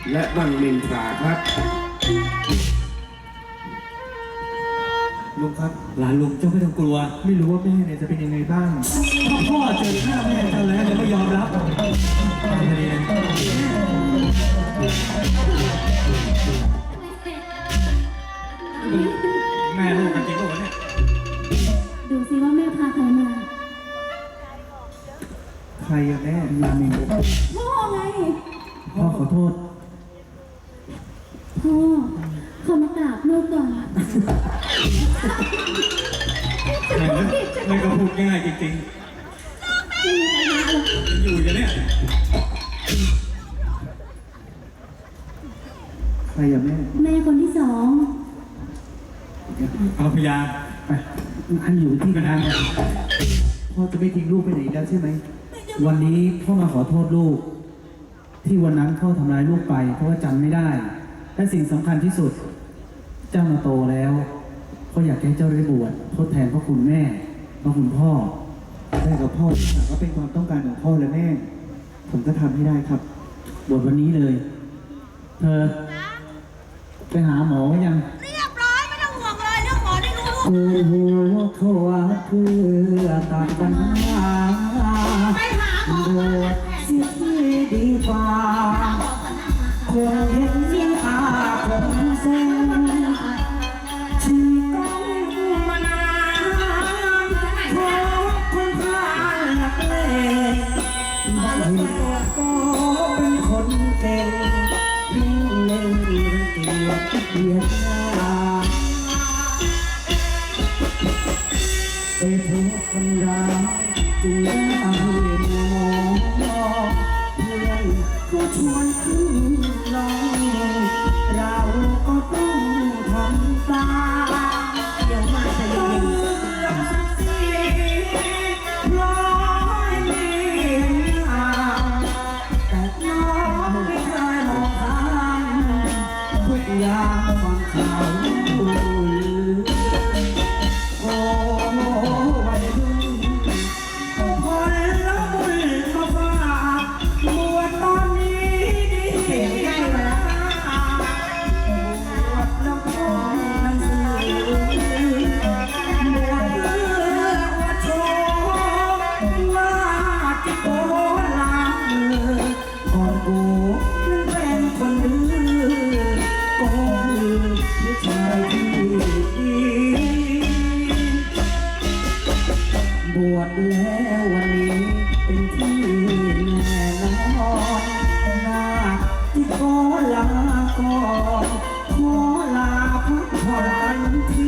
และบังมินทราครับลุงครับหลานลุงเจ้าไม่ต้องกลัวไม่รู้ว่าแม่เนี่ยจะเป็นยังไงบ้างถ้าพ่อเจอหน้าแม่เจ้าแล้วจะไม่ยอมรับแม่ลูกกันจริงหรือเปล่าเนี่ยดูสิว่าแม่พาใครมาใครอะแม่รามินพ่อไงพ่อขอโทษพ่อเขามากราบลูกก่อนไม่ก็พูดง่ายจริงๆอยู่อย่างเนี้ยใครอะแม่แม่คนที่สองเอาพยาไปอันอยู่ที่กระทางพ่อจะไม่ทิ้งลูกไปไหนแล้วใช่ไหมวันนี้พ่อมาขอโทษลูกที่วันนั้นพ่อทำร้ายลูกไปเพราะว่าจำไม่ได้และสิ่งสำคัญที่สุดเจ้ามาโตแล้วพ่ออยากให้เจ้าได้บวชทดแทนพระคุณแม่พระคุณพ่อได้กับพ่อก็เป็นความต้องการของพ่อและแม่ผมก็ทำให้ได้ครับบวชวันนี้เลยเธอไปหาหมอยังเรียบร้อยไม่ต้องห่วงเลยเรื่องหมอได้รู้โอ้โหเขาว่าเพื่อตัดปัญหาไปหาหมอโดดเสียที่ดีกว่าคงเห็นเสียงอาผมเส้นที่ต้องมานานเพราะคนพาหลักเล่บางทีก็เป็นคนเก่งยิ่งเล่นเกียดเกียดหน้าไปพบคนรักจึงได้มองเพื่อนก็ชวนขึ้นลองเราก็ต้องทำตาเดี๋ยวมาจะยิงสักทีร้อยมีแต่น้องไม่เคยมองข้ามทุกอย่างฟังข่าวโอ้วันนี้คนละบุญมาฝากบวชตอนนี้ดีแล้วบวชแล้วก็หนังสือบวชเพื่ออวดโชว์ว่าจะโกล้างมือก่อนกูนั้นเป็นคนดื้อก็คือผู้ชายที่ดีบวชแล้ววันนี้เป็นที่แน่นอนนาที่ขอลาก่อนขอลาพักผ่อนที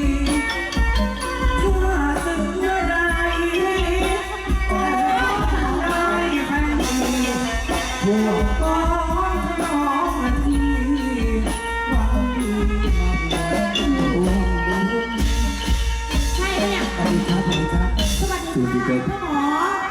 ถ้าสึกเมื่อไรก็ได้แฟนดีพวกก้อนน้องนาทีหวังดีมาบวชร่วมบุญใช่ไหมเนี่ยสวัสดีครับสวัสดีค่ะพ่อหมอ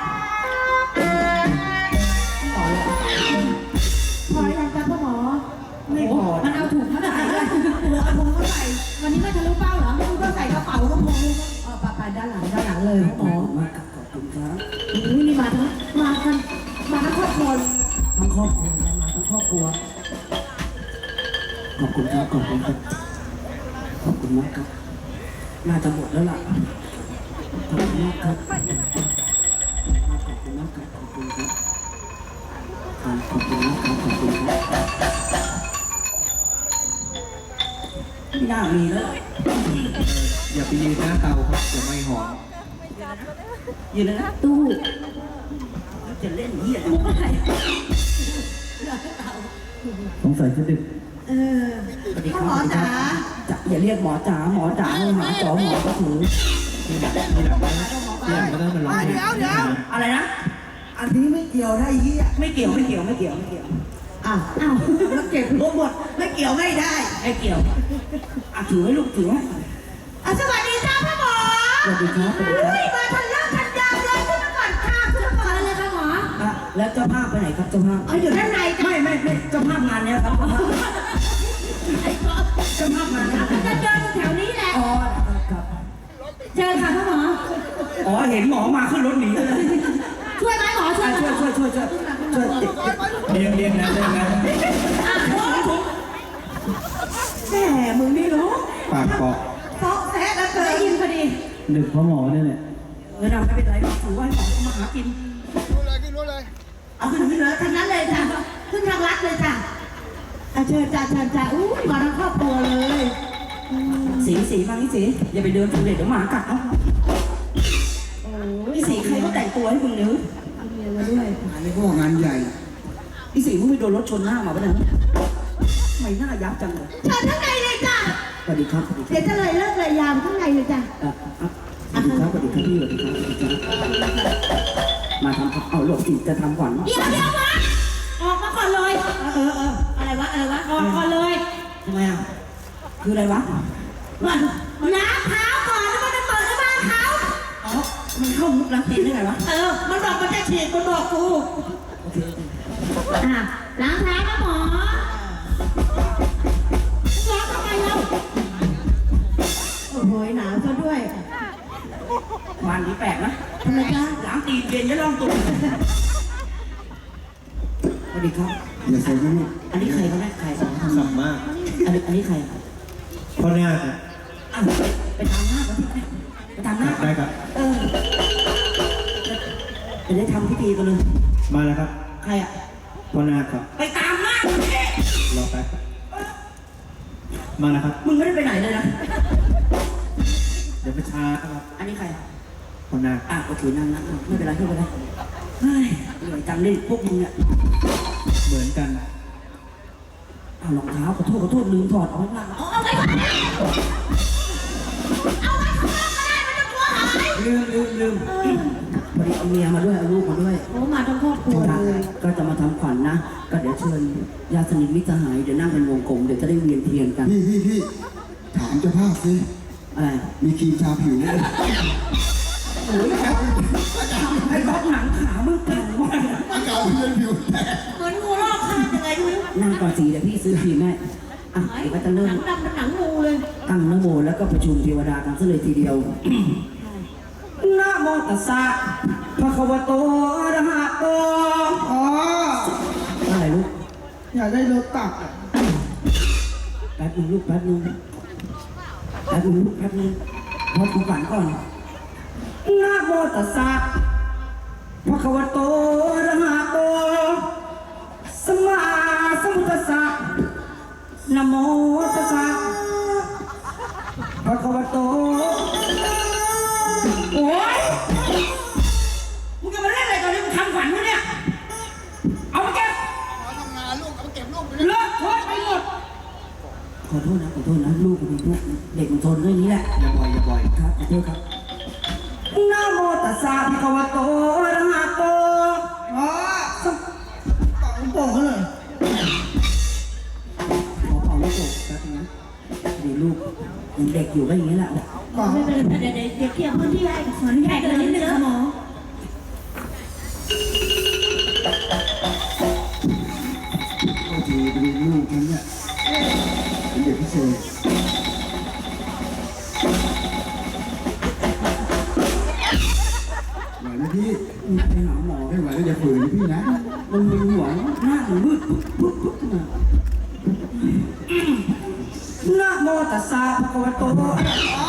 พอยังครับพ่อหมอไม่พอมันเอาถุงมาใส่เลยเอาถุงมาใส่วันนี้ไม่ทะลุเป้าเหรอไม่รู้ก็ใส่กระเป๋าก็พอไปด้านหลังเลยพ่อหมอขอบคุณครับนี่มาทั้งครอบครัวทั้งครอบครัวมาทั้งครอบครัวขอบคุณครับขอบคุณครับขอบคุณมากครับน่าจะหมดแล้วล่ะขอบคุณมากครับขอบคุณมากครับขอบคุณครับขอบคุณมากครับขอบคุณครับไม่น่ามีแล้วอย่าไปยืนหน้าเตาครับจะไม่หอมยืนเลยนะตู้จะเล่นเหี้ยมุกอะไรสงสัยจะดึกพ่อหมอจ๋าอย่าเรียกหมอจ๋าหมอจ๋าหาจอหมอก็ถือมีหลักก็ได้มาลองเดี๋ยวอะไรนะอันนี้ไม่เกี่ยวได้ยี่ไม่เกี่ยวอ้าวมันเก็บรวมหมดไม่เกี่ยวไม่ได้ไม่เกี่ยวถือให้ลูกถือให้สวัสดีจ้าพ่อหมอสวัสดีครับสวัสดีครับมาทันเลิกทันยามเลยขึ้นมาก่อนค่ะขึ้นมาก่อนเลยค่ะหมอแล้วเจ้าภาพไปไหนครับเจ้าภาพอยู่ด้านในไม่เจ้าภาพงานเนี้ยครับเจ้าภาพงานนี้จะเดินแถวนี้แหละอ๋อครับเจอค่ะพ่อหมอเห็นหมอมาขึ้นรถหนีเลยช่วยไหมหมอช่วยเรียงนะเกาะเซาะแซะแล้วเกินได้ยินพอดีดึกเพราะหมอเนี่ยแหละเออเราไม่เป็นไรถือว่าหมอเขามาหากินรู้เลยเอาขึ้นเลยทางนั้นเลยจ้ะขึ้นทางลัดเลยจ้ะเชิญจ้ะเชิญจ้ะอู้ยมาทั้งครอบครัวเลยสีมานี่สีอย่าไปเดินถูเด็ดเดี๋ยวหมากัดเนาะโอ้ยนี่สีใครก็แต่งตัวให้มึงเนื้อเมียมาด้วยอันนี้ก็งานใหญ่นี่สีมึงไปโดนรถชนหน้ามาปะเนี่ยไม่น่ายับจังเลยเชิญข้างในเลยจ้ะสวัสดีครับเดี๋ยวจะเลยเลิกเลยยามข้างในเลยจ้ะสวัสดีครับสวัสดีครับพี่สวัสดีครับสวัสดีครับมาทำเอาหลบอีกจะทำขวัญเดี๋ยวมาออกมาก่อนเลยอะไรวะออกก่อนเลยทำไมอ่ะคืออะไรวะล้างเท้าก่อนแล้วมันจะเปิดในบ้านเขาอ๋อมันเข้ามุกล้างตีนได้ไงวะมันบอกมันจะฉีดมันบอกกูอ่ะล้างเท้านะหมอล้างทำไมเราโอ้โหหนาวซะด้วยวันนี้แปลกนะทำไมจ๊ะล้างตีนเย็นจะลองตุ่มสวัสดีครับอย่าเสียงลูกอันนี้ใครเขาได้ใครสับมากอันนี้ใครพ่อเนี่ยอ่ะไปทำหน้าเขาที่ไปทำหน้าได้ครับจะได้ทำพิธีกันเลยมาแล้วครับใครอ่ะพ่อนาคครับไปตามหน้าเขาสิรอแป๊บมาแล้วครับมึงไม่ได้ไปไหนเลยนะเดี๋ยวไปช้าครับอันนี้ใครพ่อนาคโอเคนั่งไม่เป็นไรไม่เป็นไรเฮ้ยเหนื่อยจังเลยพวกมึงเนี่ยเหมือนกันเอารองเท้าขอโทษลืมถอดเอาไว้ล่างเอาไว้ลืมพอดีเอาเมียมาด้วยเอาลูกมาด้วยโอ้มาทั้งครอบครัวเลยก็จะมาทำขวัญนะก็เดี๋ยวเชิญญาติสนิทมิตรสหายเดี๋ยวนั่งเป็นวงกลมเดี๋ยวจะได้เวียนเทียนกันพี่ถามเจ้าภาพสิอะไรมีครีมทาผิวไหมโอ้ยไอ้รถหนังขามึงเก่งมากอากาศเย็นผิวแตกเหมือนงูรอบคาบยังไงดูนั่งก่อนสิเดี๋ยวพี่ซื้อครีมให้อ่ะเดี๋ยวก็จะเริ่มดำเป็นหนังงูเลยตั้งนะโมแล้วก็ประชุมเทวดากันซะเลยทีเดียว นะโมตัสสะภะคะวะโตอะระหะโตอ๋ออะไรลูกอยากได้รถตักแป๊บนึงลูกแป๊บนึงพอกูฝันก่อนนะโมตัสสะภะคะวะโตอะระหะโตสัมมาสัมพุทธัสสะนะโมตัสสะภะคะวะโตโอ้ยมึงจะมาเล่นอะไรตอนนี้มึงทำฝันวะเนี่ยเอามาเก็บมาทำงานลูกเอาไปเก็บลูกไปเลิกโทษไปหมดขอโทษนะลูกเป็นลูกเด็กมันทนเรื่องนี้แหละอย่าบ่อยครับขอโทษครับนะโมตัสสะภะคะวะโตอะระหะโตอ๋อปังโป่งเลยขอเป่าลูกโป่งแป๊บนึงนะดีลูกยังเด็กอยู่ก็อย่างนี้แหละปังไม่เป็นไรเดี๋ยวเคลียร์พื้นที่ให้ขออนุญาตเดินนิดนึงค่ะหมอโอ้ทีเป็นลูกฉันเนี่ยเป็นเด็กพิเศษไหวไหมพี่ไปหาหมอไม่ไหวแล้วอย่าฝืนนะพี่นะมันมึนหัวหน้ามันมืดปุ๊บขึ้นมานะโมตัสสะภะคะวะโตขอ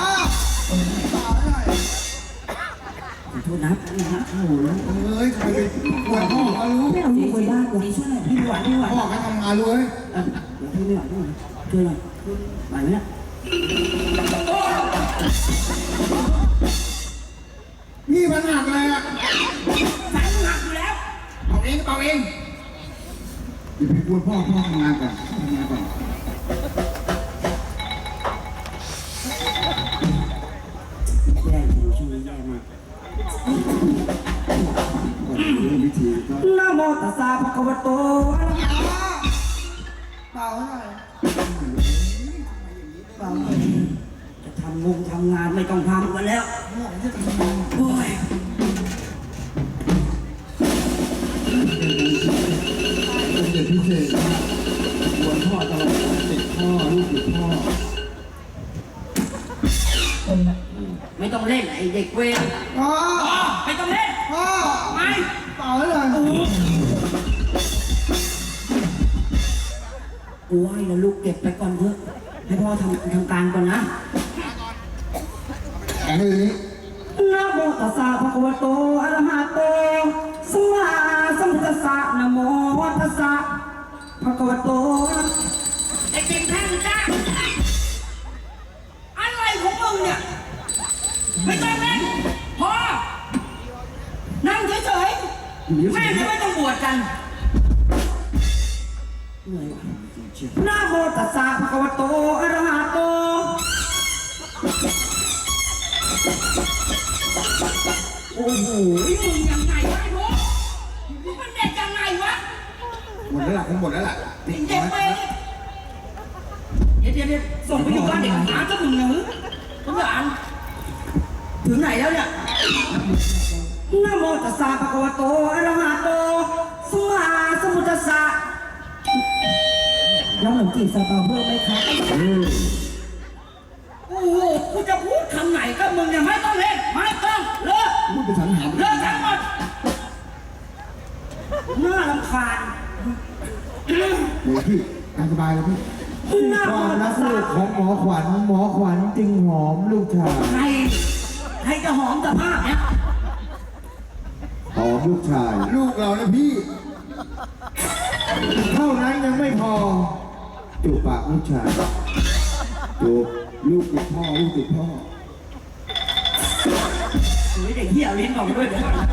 โทษนะโอ้โหเอ้ยทำไมไปปวดพ่อมารู้ไม่เอาลูกไปบ้านดีช่วยหน่อยพี่ไม่ไหวพ่อก็ทำงานรู้เว้ยเดี๋ยวพี่ไม่ไหวช่วยหน่อยไหวไหมเนี่ยนี่มันหนักเลยอะสายหนักอยู่แล้วเอาเองอย่าไปกวนพ่อทำงานก่อนแย่จริงช่วงนี้แย่มากก่อนเริ่มพิธีก็นะโมตัสสะภะคะวะโตอะระหะเป่าหน่อยจะทำงานไม่ต้องทำกันแล้วโอ้ยเป็นเด็กพิเศษกวนพ่อตลอดติดพ่อลูกติดพ่อไม่ต้องเล่นไอเด็กเวรพ่อไม่ต้องเล่นพ่อไม่เป่าให้หน่อยกูให้นะลูกเก็บไปก่อนเถอะให้พ่อทำการก่อนนะแข่งเลยนี้นะโมตัสสะภะคะวะโตอะระหะโตสัมมาสัมพุทธัสสะนะโมตัสสะภะคะวะโตไอ้เก่งแท่งจ้าอะไรของมึงเนี่ยไม่ต้องเล่นพอนั่งเฉยๆแม่จะไม่ต้องบวชกันเหนื่อยว่ะนะโมตัสสะภะคะวะโตอะระหะโตโอ้โหมึงยังไงวะไอ้พวกมันเด็กยังไงวะหมดแล้วล่ะคงหมดแล้วล่ะเด็กไปเดี๋ยวส่งไปอยู่บ้านเด็กหาเจ้ามึงนะมึงทุกอย่างถึงไหนแล้วเนี่ยนะโมตัสสะภะคะวะโตอะระหะโตสัมมาสัมพุทธัสสะน้องหนุ่มจีบซาเปาเพิ่มไหมครับโอ้โหกูจะพูดคำไหนก็มึงเนี่ยไม่ต้องเล่นไม่ต้องเลิกพูดไปสันหาเลิกทั้งหมดน่ารำคาญเดี๋ยวพี่ตามสบายเลยพี่นะโมความตัรัสกสะลูกของหมอขวัญจึงหอมลูกชายใครจะหอมสภาพเนี่ยหอมลูกชายลูกเรานะพี่เท่านั้นยังไม่พอจูบปากลูกชายจูบลูกติดพ่อลูกติดพ่อเฮ้ยเด็กเหี้ยลิ้นออกมาด้วยเดี๋ยวก่อนนะ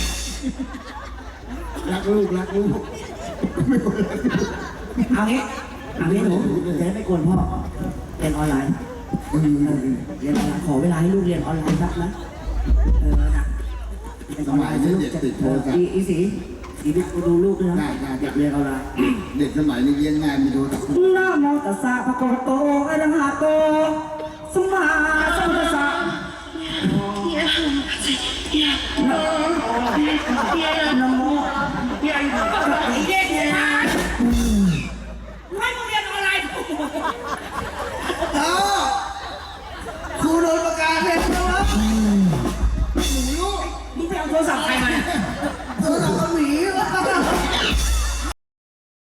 รักลูกรักลูกไม่หมดแล้วเอางี้หนูจะได้ไม่กวนพ่อเรียนออนไลน์เรียนออนไลน์ขอเวลาให้ลูกเรียนออนไลน์สักนะนะสบายเด็กติดโทรศัพท์อีสีดูลูกด้วยนะอยากเรียนออนไลน์เด็กสมัยนี้เรียนง่ายมีโทรศัพท์นะโมตัสสะภะคะวะโตอะระหะโตสัมมาสัมพุทธัสสะ